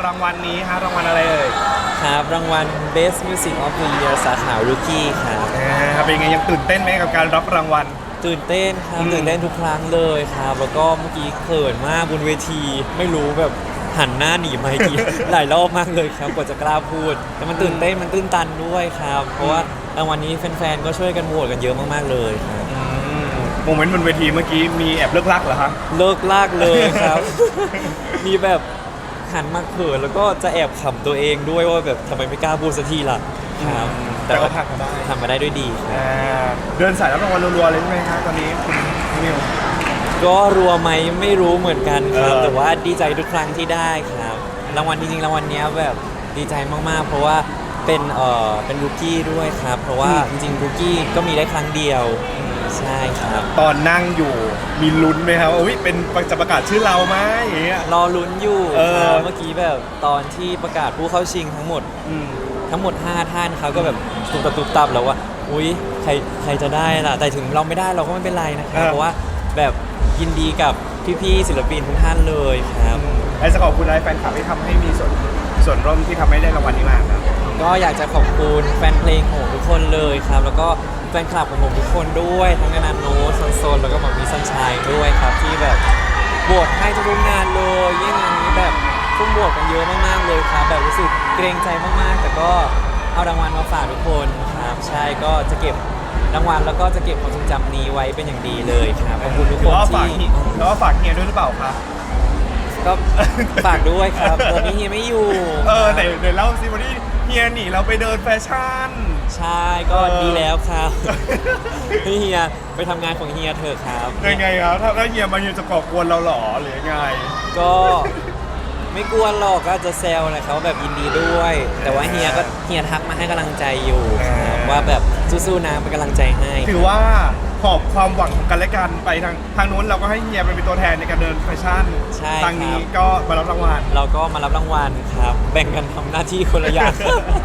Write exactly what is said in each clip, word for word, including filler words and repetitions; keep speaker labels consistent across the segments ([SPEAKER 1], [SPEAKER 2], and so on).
[SPEAKER 1] รางวัลนี้ฮะรางวัลอะไรเอ่ย
[SPEAKER 2] ครับรางวัล Best Music of the Year สาขา Rookie ครับ
[SPEAKER 1] ครับเป็นไงยังตื่นเต้นไหมกับการรับรางวัล
[SPEAKER 2] ตื่นเต้นครับตื่นเต้นทุกครั้งเลยครับแล้วก็เมื่อกี้เขินมากบนเวทีไม่รู้แบบหันหน้าหนีไมค์กี้หลายรอบมากเลยครับกว่าจะกล้าพูดแต่มันตื่นเต้นมันตื้นตันด้วยครับเพราะว่ารางวัลนี้แฟนๆก็ช่วยกันโหวตกันเยอะมากๆเลยครับ
[SPEAKER 1] โมเมนต์บนเวทีเมื่อกี้มีแอบเลิกลักเหรอครับ
[SPEAKER 2] เลิกลากเลยครับ มีแบบหันมาเขินแล้วก็จะแอบขำตัวเองด้วยว่าแบบทำไมไม่กล้าพูดสักทีล่ะครับ
[SPEAKER 1] แต่ก็ผ่านมาได้
[SPEAKER 2] ทำมาได้ด้วยดี
[SPEAKER 1] ครับเดินสายรับรางวัลรัวๆเลยใช่ไหมครับตอนนี้คุณนิว
[SPEAKER 2] ก็รัวไหมไม่รู้เหมือนกันครับแต่ว่าดีใจทุกครั้งที่ได้ครับรางวัลจริงๆรางวัลนี้แบบดีใจมากๆเพราะว่าเป็นเอ่อเป็นรูกี้ด้วยครับเพราะว่าจริงๆรูกี้ก็มีได้ครั้งเดียวใช่ครับ
[SPEAKER 1] ตอนนั่งอยู่มีลุ้นไหมครับอุ้ยเป็นจะประกาศชื่อเราไหมอย่างเงี้ย
[SPEAKER 2] รอลุ้นอยู่ครับเมื่อกี้แบบตอนที่ประกาศผู้เข้าชิงทั้งหมดทั้งหมดห้าท่านเขาก็แบบตุบตับตุบตับแล้วว่าอุ้ยใครใครจะได้ล่ะแต่ถึงเราไม่ได้เราก็ไม่เป็นไรนะครับเพราะว่าแบบยินดีกับพี่ๆศิลปินทุกท่านเลยครับ
[SPEAKER 1] ไอ้จะขอบคุณอะไรแฟนคลับที่ทำให้มีส่วนส่วนร่วมที่ทำให้ได้รางวัลนี้มากครับ
[SPEAKER 2] ก็อยากจะขอบคุณแฟนเพลงของทุกคนเลยครับแล้วก็แฟนคลับของผมทุกคนด้วยทั้งนาโนโซนโซนแล้วก็หมอมีซันชัยด้วยครับที่แบบโหวตให้ทุกงานเลยยิ่งงานนี้แบบทุ่มโหวตกันเยอะมากๆเลยครับแบบรู้สึกเกรงใจมากๆแต่ก็เอารางวัลมาฝากทุกคนครับใช่ก็จะเก็บรางวัลแล้วก็จะเก็บความทรงจำนี้ไว้เป็นอย่างดีเลยครับขอบคุณทุกคนที่
[SPEAKER 1] แล้วก็ฝากเฮียด้วยหรือเปล่าครับ
[SPEAKER 2] ก็ฝากด้วยครับตอนนี้เฮียไม่อยู่
[SPEAKER 1] เออแต่เดี๋ยวเล่าสิวันนี้เฮียหนีเราไปเดินแฟชั่น
[SPEAKER 2] ใช่ก็ดีแล้วครับพี่เฮียไปทำงานของเฮียเถอะครับ
[SPEAKER 1] ยังไงครับถ้าถ้าเฮียมาเฮียจะก่อกวนเราหรอหรือยังไง
[SPEAKER 2] ก็ไม่กวนหรอกก็จะแซวนะครับแบบยินดีด้วยแต่ว่าเฮียก็เฮียทักมาให้กำลังใจอยู่ว่าแบบสู้ๆนะเป็นกำลังใจให้
[SPEAKER 1] ถือว่าหอบความหวังของกันและกันไปทางทางนู้นเราก็ให้เฮียเป็นตัวแทนในการเดินแฟชั่นทางนี้ก็มารับรางวัล
[SPEAKER 2] เราก็มารับรางวัลครับแบ่งกันทำหน้าที่คนละอย่าง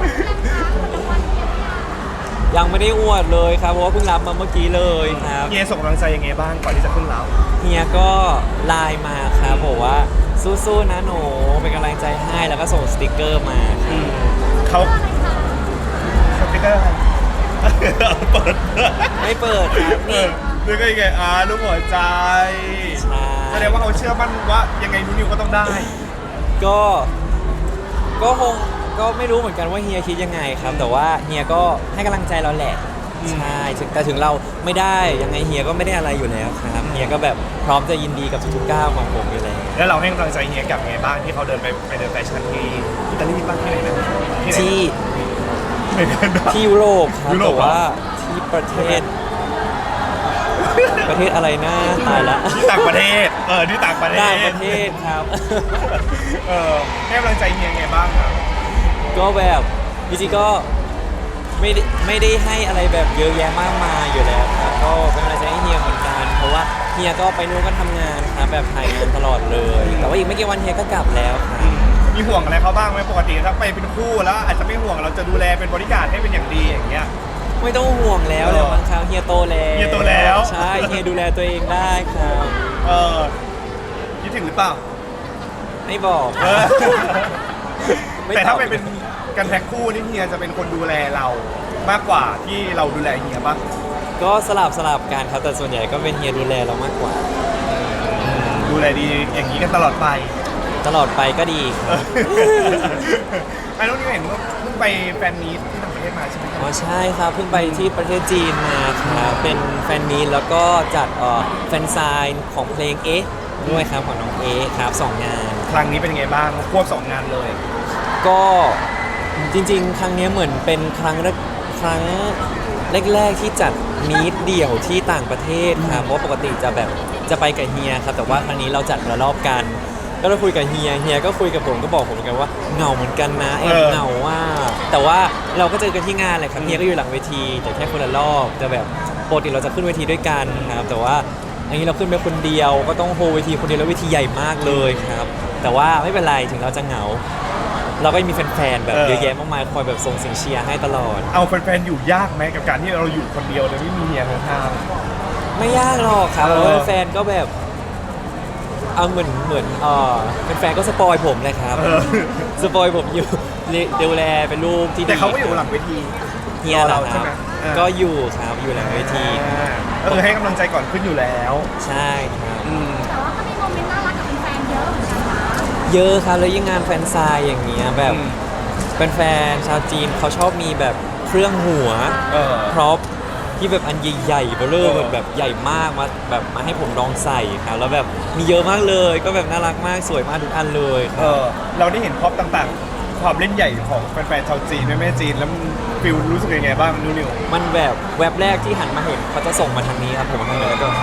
[SPEAKER 2] ยังไม่ได้อวดเลยครับเพราะว่าเพิ่งรับมาเมื่อกี้เลยครับ
[SPEAKER 1] เฮียส่งกำลังใจยังไงบ้างก่อนที่จะขึ้นเรา
[SPEAKER 2] เฮียก็ไลน์มาครับบอกว่าสู้ๆนะหนูเป็นกำลังใจให้แล้วก็ส่งสติกเกอร์มา
[SPEAKER 1] เขาสติกเกอร์อะไรเปิด
[SPEAKER 2] ไม่เปิดครับนี่
[SPEAKER 1] นี่ก็ยังไงอ่ารูปหัวใจ
[SPEAKER 2] ใช่
[SPEAKER 1] แสดงว่าเขาเชื่อมั่นว่ายังไงนูนิวก็ต้องได้
[SPEAKER 2] ก็ก็คงก็ไม่รู้เหมือนกันว่าเฮียคิดยังไงครับแต่ว่าเฮียก็ให้กำลังใจเราแหละใช่แต่ถึงเราไม่ได้ยังไงเฮียก็ไม่ได้อะไรอยู่แล้วครับเฮียก็แบบพร้อมจะยินดีกับทุกๆก้าวของผมอยู่แล้ว
[SPEAKER 1] แล้วเราให้กำลังใจเฮียกับไงบ้างที่เขาเดินไปไปเดินแฟชั่นที่อิตาลีบ้างที่ไหนนะ
[SPEAKER 2] ที่ที่ยุโรปครับแต่ว่าที่ประเทศประเทศอะไรนะตายละ
[SPEAKER 1] ที่ต่างประเทศเออที่ต่างประเทศ
[SPEAKER 2] ต่างประเทศครับ
[SPEAKER 1] เออให้กำลังใจเฮียไงบ้างครับ
[SPEAKER 2] ก็แบบจริงๆก็ไม่ได้ไม่ได้ให้อะไรแบบเยอะแยะมากมายอยู่แล้วครับก็เป็นกำลังใจให้เฮียเหมือนกันเพราะว่าเฮียก็ไปนู่นก็ทำงานครับแบบถ่ายงานตลอดเลยแต่ว่าอีกไม่กี่วันเฮียก็กลับแล้วครับ
[SPEAKER 1] มีห่วงอะไรเขาบ้างไหมปกติถ้าไปเป็นคู่แล้วอาจจะไม่ห่วงเราจะดูแลเป็นบริการให้เป็นอย่างดีอย่างเงี้ย
[SPEAKER 2] ไม่ต้องห่วงแล้วเลยบางครั้งเฮียโตแล้ว
[SPEAKER 1] เฮียโตแล้ว
[SPEAKER 2] ใช่เฮียดูแลตัวเองได้ครับ
[SPEAKER 1] เออคิดถึงหรือเปล่า
[SPEAKER 2] ไม่บอก
[SPEAKER 1] แต่ถ้าไปเป็นกันแพ็คคู่นี่เฮียจะเป็นคนดูแลเรามากกว่าที่เราดูแลเฮียป่ะ
[SPEAKER 2] ก็สลับสลับกันครับแต่ส่วนใหญ่ก็เป็นเฮียดูแลเรามากกว่า
[SPEAKER 1] ดูแลดีอย่างนี้กันตลอดไป
[SPEAKER 2] ตลอดไปก็ดี
[SPEAKER 1] ไอ้น้องนี่เห็นว่าเพิ่งไปแฟนมีตที่ต่างประเทศมาใช่ไหม
[SPEAKER 2] อ๋อใช่ครับเพิ่งไปที่ประเทศจีนมาครับเป็นแฟนมีตแล้วก็จัดแฟนไซน์ของเพลงเอ๊ะด้วยครับของน้องเอ๊ะครับสองงาน
[SPEAKER 1] ครั้งนี้เป็นยังไงบ้างควบสองงานเลย
[SPEAKER 2] ก็จริงๆครั้งนี้เหมือนเป็นครั้งแรกครั้งแรกๆที่จัดมีตเดี่ยวที่ต่างประเทศครับเพราะปกติจะแบบจะไปกับเฮียครับแต่ว่าครั้งนี้เราจัดระลอบกันก็เราคุยกับเฮียเฮียก็คุยกับผมก็บอกผมเหมือนกันว่าเหงาเหมือนกันนะแอบเหงาว่าแต่ว่าเราก็เจอกันที่งานแหละครับเฮียก็อยู่หลังเวทีแต่แค่คนละรอบแต่แบบปกติเราจะขึ้นเวทีด้วยกันครับแต่ว่าอันนี้เราขึ้นไปคนเดียวก็ต้องโฮเวทีคนเดียวแล้วเวทีใหญ่มากเลยครับแต่ว่าไม่เป็นไรถึงเราจะเหงาเราก็มีแฟนๆแบบเยอะแยะมากมายคอยแบบส่งเสียงเชียร์ให้ตลอด
[SPEAKER 1] เอาแฟนๆอยู่ยากไหมกับการที่เราอยู่คนเดียวโดยไม่มีเฮียข้าง
[SPEAKER 2] ๆไม่ยากหรอกครับเพราะแฟนก็แบบเอาเหมือนเหมือนเออเป็นแฟนก็สปอยผมเลยครับ
[SPEAKER 1] เออ
[SPEAKER 2] สปอยผมอยู่ดูแลเป็นรูปที่ดี
[SPEAKER 1] แต่เขาก็อยู่หลังเวที
[SPEAKER 2] เฮียเหรอ
[SPEAKER 1] เรา
[SPEAKER 2] ค
[SPEAKER 1] ใช่
[SPEAKER 2] รับ
[SPEAKER 1] ไหมเออ
[SPEAKER 2] ก็อยู่ครับอยู่หลังเวที
[SPEAKER 1] อ่าก็คือให้กำลังใจก่อนขึ้นอยู่แล้ว
[SPEAKER 2] ใช่ครับ
[SPEAKER 1] อืม
[SPEAKER 3] แต่ว่าก็มีโมเมนต์น่ารักกับแฟนๆเยอะเหมือนกันนะ
[SPEAKER 2] เยอะครับแล้วยิ่งงานแฟนซายอย่างเงี้ยแบบ
[SPEAKER 1] อืม
[SPEAKER 2] เป็นแฟนๆชาวจีนเขาชอบมีแบบเครื่องหัว
[SPEAKER 1] เออ
[SPEAKER 2] พร็อพที่แบบอันใหญ่ๆเบลอ
[SPEAKER 1] เออ
[SPEAKER 2] แบบแบบใหญ่มากมาแบบมาให้ผมลองใส่ครับแล้วแบบมีเยอะมากเลยก็แบบน่ารักมากสวยมากทุกอันเลยค
[SPEAKER 1] เอ
[SPEAKER 2] รับ
[SPEAKER 1] อเราได้เห็นพร็อพต่างๆ ความเล่นใหญ่ของแฟนๆชาวจีนแม่แม่จีนแล้วฟิลรู้สึกยังไงบ้างนิวนิว
[SPEAKER 2] มันแบบแวบแรกที่หันมาเห็นเขาจะส่งมาทางนี้ครับผมทางนี้แล้วก็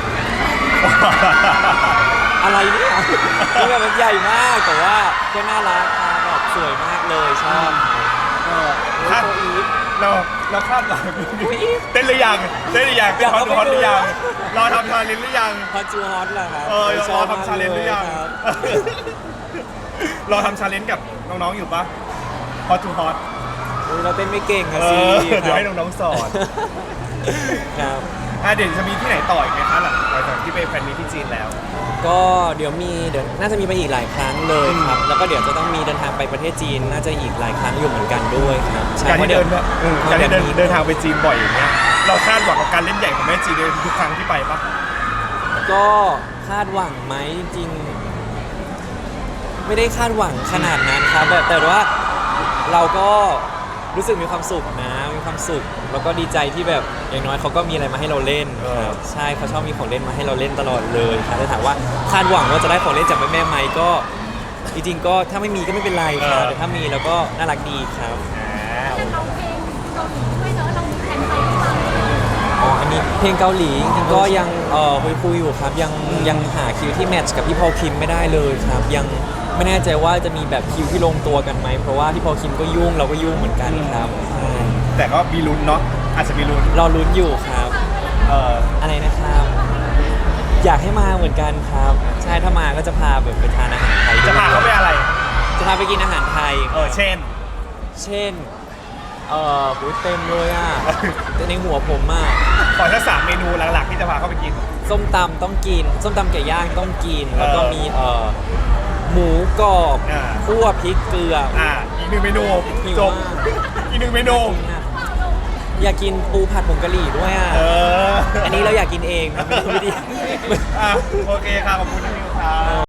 [SPEAKER 2] อะไรเนี่ยคือแบบมันใหญ่มากแต่ว่าก็น่ารักครับแบบสวยมากเลยชอบ
[SPEAKER 1] เออคาด
[SPEAKER 2] โอ้ย
[SPEAKER 1] เราเราคาดหวัง
[SPEAKER 2] อุ๊ย
[SPEAKER 1] เต้นหรือยังเต้นหรือยัง
[SPEAKER 2] อยาก
[SPEAKER 1] ฮอต
[SPEAKER 2] เอาไป
[SPEAKER 1] ฮอตหรือยัง
[SPEAKER 2] ดู
[SPEAKER 1] รอทำชาเลนจ์หรือยัง
[SPEAKER 2] ฮอตจูฮอตเหรอครับ
[SPEAKER 1] เออ
[SPEAKER 2] ช
[SPEAKER 1] ร
[SPEAKER 2] อ
[SPEAKER 1] อบ ทำชาเลนจ์หรือยัง
[SPEAKER 2] ครับ
[SPEAKER 1] รอทำชาเลนจ์กับน้องๆอยู่ปะฮอตทูฮอต
[SPEAKER 2] อุ๊ยเราเต้นไม่เก่ง
[SPEAKER 1] เอ
[SPEAKER 2] อะสิ
[SPEAKER 1] อ
[SPEAKER 2] ครับ
[SPEAKER 1] เดี๋ยวให้น้องๆสอน
[SPEAKER 2] ครับ
[SPEAKER 1] อ่ะเดี๋ยวจะมีที่ไหนต่ออีกไหมคะหลังจากที่ไปแฟนมีตที่จีนแล้ว
[SPEAKER 2] ก็เดี๋ยวมีเดี๋ยวน่าจะมีไปอีกหลายครั้งเลยครับ แล้วก็เดี๋ยวจะต้องมีเดินทางไปประเทศจีน น่าจะอีกหลายครั้งอยู่เหมือนกันด้วยครับใช่
[SPEAKER 1] การ
[SPEAKER 2] พะ
[SPEAKER 1] ที่
[SPEAKER 2] ดี๋
[SPEAKER 1] เดิ
[SPEAKER 2] ยวน
[SPEAKER 1] อืม
[SPEAKER 2] พะ
[SPEAKER 1] การที่เดิน
[SPEAKER 2] มี
[SPEAKER 1] เดินทางไปจีนบ่อยอย่างเงี้ยเราคาดหวังกับการเล่นใหญ่ของแม่จีนในทุกครั้งที่ไปปะ
[SPEAKER 2] ก็คาดหวังไหมจริงๆไม่ได้คาดหวังขนาดนั้นครับแบบแต่ว่าเราก็รู้สึกมีความสุขนะมีความสุข แล้วก็ดีใจที่แบบอย่างน้อยเขาก็มีอะไรมาให้เราเล่นครับใช่เขาชอบมีของเล่นมาให้เราเล่นตลอดเลยครับแต่ถามว่าคาดหวังว่าจะได้ของเล่นจากแม่ๆไหมก็จริงๆก็ถ้าไม่มีก็ไม่เป็นไรครับแต่ถ้ามีแล้วก็น่ารักดีครับ
[SPEAKER 1] อ่า
[SPEAKER 3] แต่เราเพลงเกาหลีด้วยเนอะเรามีแผนไปหรือเปล่า
[SPEAKER 2] อ๋ออันนี้เพลงเกาหลีจริงๆก็ยังเอ่อคุยคุยๆอยู่ครับยังยังหาคิวที่แมทช์กับพี่พอลคิมไม่ได้เลยครับ ยังไม่แน่ใจว่าจะมีแบบคิวที่ลงตัวกันไหมเพราะว่าพี่พอลคิมก็ยุ่งเราก็ยุ่งเหมือนกันครับใช่
[SPEAKER 1] แต่ก็มีลุ้นเนาะอาจจะมีลุ้น
[SPEAKER 2] รอลุ้นอยู่ครับ
[SPEAKER 1] เออ
[SPEAKER 2] อะไรนะครับ อยากให้มาเหมือนกันครับ ใช่ถ้ามาก็จะพาแบบไปทานอาหารไทย
[SPEAKER 1] จะพาเขาไปอะไร
[SPEAKER 2] จะพาไปกินอาหารไทย
[SPEAKER 1] เออเช่น
[SPEAKER 2] เช่นเอ่อหูยเต็มเลยอ่ะแต่ในหัวผมอ่ะ
[SPEAKER 1] ขอแค่สามเมนูหลักๆที่จะพาเขาไปกิน
[SPEAKER 2] ส้มตำต้องกิน ส้มตำไก่ย่างต้องกิน แล้วก็
[SPEAKER 1] เออ
[SPEAKER 2] มีเอ่อหมูกรอบ
[SPEAKER 1] อ่า
[SPEAKER 2] คั่วพริกเกลือ
[SPEAKER 1] อ่าอีกหนึ่งเมนู
[SPEAKER 2] หิว
[SPEAKER 1] จบ
[SPEAKER 2] มาก
[SPEAKER 1] อีกหนึ่งเมนู
[SPEAKER 2] อยากกินปูผัดผงกะหรี่ด้วยอ่ะ
[SPEAKER 1] เออ
[SPEAKER 2] อันนี้เราอยากกินเองนะไม่ได้ไม่ได้
[SPEAKER 1] อ่ะโอเคค่ะขอบคุณนะนิวครับ